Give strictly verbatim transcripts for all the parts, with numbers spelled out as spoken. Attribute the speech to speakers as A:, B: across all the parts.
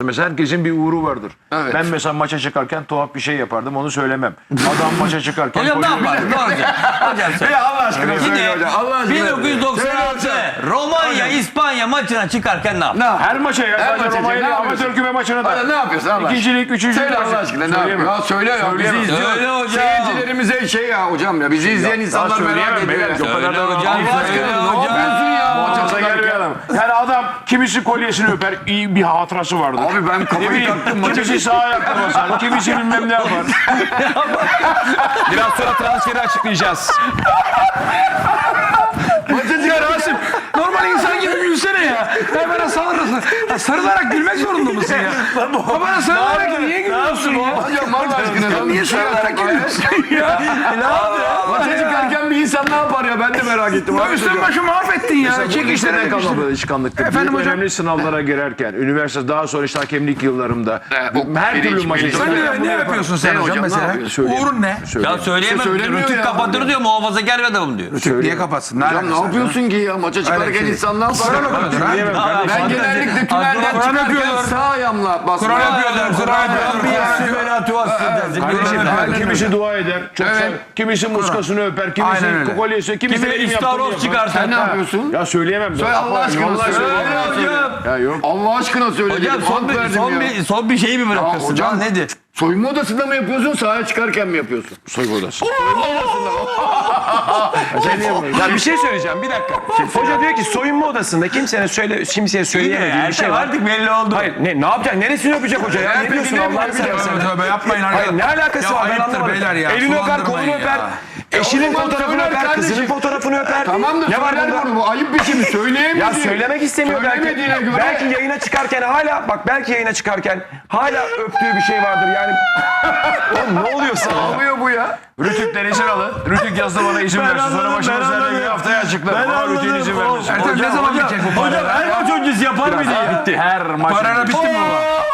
A: Mesela herkesin bir uğru vardır.
B: Evet.
A: Ben mesela maça çıkarken tuhaf bir şey yapardım, onu söylemem. Adam maça çıkarken...
C: Hocam ne yapar? Ne olacak? Hocam söyle.
A: Ya Allah aşkına söyle
C: Yine
A: hocam. Allah aşkına.
C: bin dokuz yüz doksan altı Romanya İspanya maçına çıkarken ne yaptı?
A: Her maça ya.
B: Her
A: Sadece
B: maça,
A: Romanya
B: ne
A: değil,
B: yapıyorsun?
A: amatör küme maçına da.
B: Hadi ne yapıyorsun Allah aşkına?
A: İkincilik, üçüncülük.
B: Söyle Allah aşkına ne
A: Söyleyemem.
B: yapıyorsun? Ya söyle ya. Bizi
A: Söyleyemem.
B: izliyor.
C: Söyle hocam.
B: Seyircilerimize şey ya hocam ya. Bizi izleyen insanlar merak
A: söyleyemem
B: ediyor.
A: beyler.
B: ya.
A: O kadar da
C: Söyle hocam,
B: Allah
C: söyle
B: aşkına ne
C: hocam.
B: yapıyorsun ya?
A: Maça
B: Maça
A: gel bir
B: çıkarken.
A: adam. Yani adam kimisi kolyesini öper, iyi bir hatırası vardır.
B: Abi ben kafayı
A: Ne bileyim,
B: taktım maça.
A: kimisi sağ ayakta basar, kimisi bilmem ne yapar.
D: Biraz sonra transferi açıklayacağız.
E: Ya Rasim, normal insan gibi gülsene ya. Ya bana sarılırsın. Ya sarılarak gülmek zorunda mısın ya? Ya bana sarılarak niye gülüyorsun ya?
B: Hocam Allah aşkına.
E: Ya niye sarılarak gülüyorsun ya?
B: Maça çıkarken bir insan ne yapar ya? Ben de merak ettim.
E: Ya üstün başı mahvettin ya. Çekişlere
A: Liseden
E: yapıştın.
A: kalma alışkanlıktır.
E: Efendim
A: Büyük
E: hocam?
A: önemli sınavlara girerken, üniversite daha sonra işte hakemlik yıllarımda
B: o
A: her
B: birinci,
A: türlü maçı.
B: birinci.
E: Sen ne, ne yapıyorsun sen
B: Ne
E: hocam,
B: hocam, ne
E: mesela?
B: yapıyorsun?
E: Uğurun ne?
C: Ya söyleyemem.
B: söylemiyor
C: Rütük
B: ya.
C: kapatır diyor, muhafazakar bir adamım diyor.
E: Niye kapatsın? Ne
B: Hocam
E: alakası
B: ne
E: var?
B: yapıyorsun ki ya? Maça çıkarken insan ne yapar?
A: Söyleyemem kardeşim.
B: Ben genellikle tünelden
E: Kur'an
B: çıkarken
E: yapıyorlar.
B: sağ ayağımla basmaya.
E: Kur'an yapıyorlar, Kur'an
A: Kardeşim,
E: yapıyorlar.
A: her kimisi dua eder. Çok
B: Evet.
A: sev- kimisi muskasını öper, kimisi
E: Aynen öyle.
A: kolyesi, kimisi
C: Kimi
A: elim yaptığını
C: İstavros
A: yapar.
C: çıkarsa.
B: Sen ne yapıyorsun?
A: Ya söyleyemem.
B: Söyle Allah aşkına
A: Vallahi
B: söyle.
A: söyleyemem.
C: Hocam.
A: Ya yok.
B: Allah aşkına söyle.
C: Hocam
B: dedim,
C: son
B: hak
C: bir,
B: verdim
C: son
B: ya.
C: bir, son bir şeyi mi bırakırsın?
B: hocam.
C: Hocam nedir?
B: Soyunma odasında mı yapıyorsun, sahaya çıkarken mi yapıyorsun?
A: Soygu odası.
D: Ya bir şey söyleyeceğim, bir dakika. Hoca diyor ki soyunma odasında kimsenin söyle, kimseye söyleyemediği bir şey var.
C: Artık belli oldu.
D: Hayır, ne, ne yapacak? Neresini öpecek hoca ya? Ne diyorsun Allah'ını seversen?
E: Tövbe yapmayın
D: Hayır,
E: arkadaşlar.
D: ne alakası
E: Ya
D: var ben
E: ayıptır
D: anlamadım.
E: beyler ya,
D: Elini öper, kolunu
E: sulandırmayın
D: öper.
E: ya.
D: Eşinin
B: o zaman
D: fotoğrafını
B: söyler
D: öper,
B: kardeşim.
D: kızının fotoğrafını öper.
B: Tamam da
D: ne var
B: söyler
D: bunda?
B: bunu. Bu ayıp bir şey mi? Söyleyemedi.
D: Ya söylemek istemiyor belki.
B: Söylemediğine göre.
D: Belki yayına çıkarken hala bak belki yayına çıkarken hala öptüğü bir şey vardır yani. Oğlum ne oluyor sana?
B: Ne oluyor bu ya?
A: Rütük'ten izin alın. Rütük yazdı bana izin versin. Sonra
C: anladım,
A: başımız
C: ben
A: nereye
C: anladım.
A: haftaya açıklar. Ama Rütük'ün izin vermesin.
E: Ertem ne zaman bitecek bu para?
C: Hocam her maç öncesi yapar mıydı ya?
A: Bitti. Her maç.
E: Parana bitti mi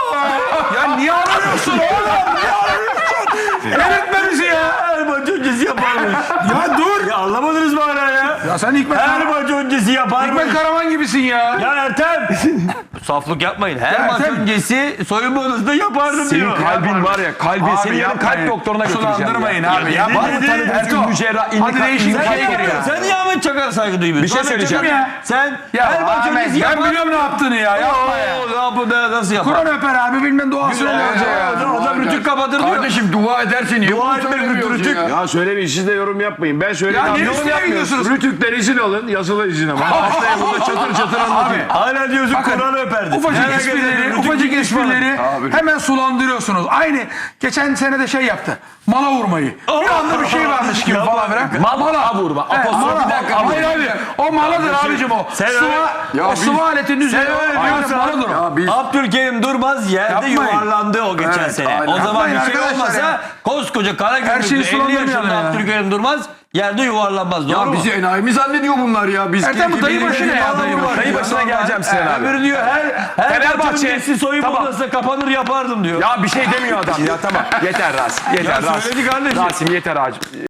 E: baba? Ya niye aranıyorsun oğlum? Niye aranıyorsun? Eritme bizi ya.
C: Her maç öncesi yaparmış.
E: Ya dur.
C: Ya anlamadınız mı hala ya?
E: Ya sen Hikmet,
C: Her maç öncesi yaparmış.
E: Hikmet Karaman gibisin ya.
C: Ya Ertem. Saflık yapmayın. Her maç
E: Ertem.
C: öncesi soyunma odasında yapardım
D: Senin
C: diyor.
D: kalbin var ya kalbin
E: Abi
D: seni yarın
E: yapmayın.
D: kalp doktoruna götüreceğim.
E: Sulandırmayın
D: ya.
E: abi.
D: Ya var mı
C: Dedi,
D: tanıdığınız
E: Ertuğ,
D: ünlü cerrah, ünlü
E: hadi
D: kalp,
E: değişik
D: ünlü
E: bir
D: kalp
E: şey
C: Sen,
D: doktoru
C: ya. Sen niye Ahmet Çakar'a saygı duymuyorsun?
D: Bir şey
C: Ahmet
D: söyleyeceğim.
C: Çakar-
E: Ya.
C: Sen
E: Ya
C: her maç
E: Ahmet,
C: öncesi
E: ben
C: yapar.
E: biliyorum ne yaptığını ya. Yapma ya.
C: Oo, ya bu da nasıl yapar?
E: Kur'an öper abi, bilmem duasını
C: Ya,
E: öper.
C: ya, Hocam, hocam rütük kapatır diyor.
B: Kardeşim dua edersin. Niye
C: Dua
B: bunu
C: etmek
B: söylemiyorsun
C: rütük.
B: ya?
A: Ya söylemeyin, siz de yorum yapmayın. Ben söyleyeyim.
E: Ya
A: Abi,
E: ne
A: yorum
E: üstüne
A: yapmıyorsunuz.
E: gidiyorsunuz?
A: Rütük'ten izin alın, yazılı izin ama. Haftaya burada çatır çatır anlatayım.
C: Hala diyorsun
E: Bakın,
C: Kur'an öperdi.
E: Ufacık
C: Her
E: esprileri,
C: gece
E: ufacık
C: rütük
E: esprileri hemen sulandırıyorsunuz. Aynı geçen sene de şey yaptı. Mala vurmayı. Bir anda bir şey varmış gibi falan filan.
D: Mala vurma.
E: Evet,
D: Apostof
E: mala.
D: bir dakika.
E: Hayır abi. O maladır abicim o.
C: Sen
E: Sıva,
C: öyle-
B: Ya
E: o
B: biz-
E: sıva aletinin üzerine.
C: öyle
E: Aynen
C: diyorsan-
E: maladır o.
B: Ya biz
C: Abdülkerim Durmaz yerde
E: Yapmayın.
C: yuvarlandı o geçen
B: Evet,
C: sene.
B: aynen.
C: O zaman
E: Yapmayın
C: bir şey
E: arkadaşlar
C: olmasa
E: ya.
C: koskoca
E: Her
C: Karagümrük'te
E: şeyi
C: elli
E: sulandırmayalım
C: yaşında
E: ya.
C: Abdülkerim Durmaz yerde yuvarlanmaz. Doğru
B: ya
C: mu?
B: bizi enayi mi zannediyor bunlar ya? Biz
E: Ertem, bu
B: keyfi
E: dayı
B: bilir
E: başı
B: miyiz?
E: ne ya, dayı başı?
D: Dayı başına geleceğim Sinan abi.
C: Öbürü diyor her her maç
D: Fenerbahçe-
C: öncesi soyunma
D: Tamam.
C: odasına kapanır yapardım diyor.
D: Ya bir şey demiyor adam ya tamam. Yeter Rasim. Yeter
C: Ya
D: Rasim.
C: söyledi kardeşim.
D: Rasim yeter Rasim.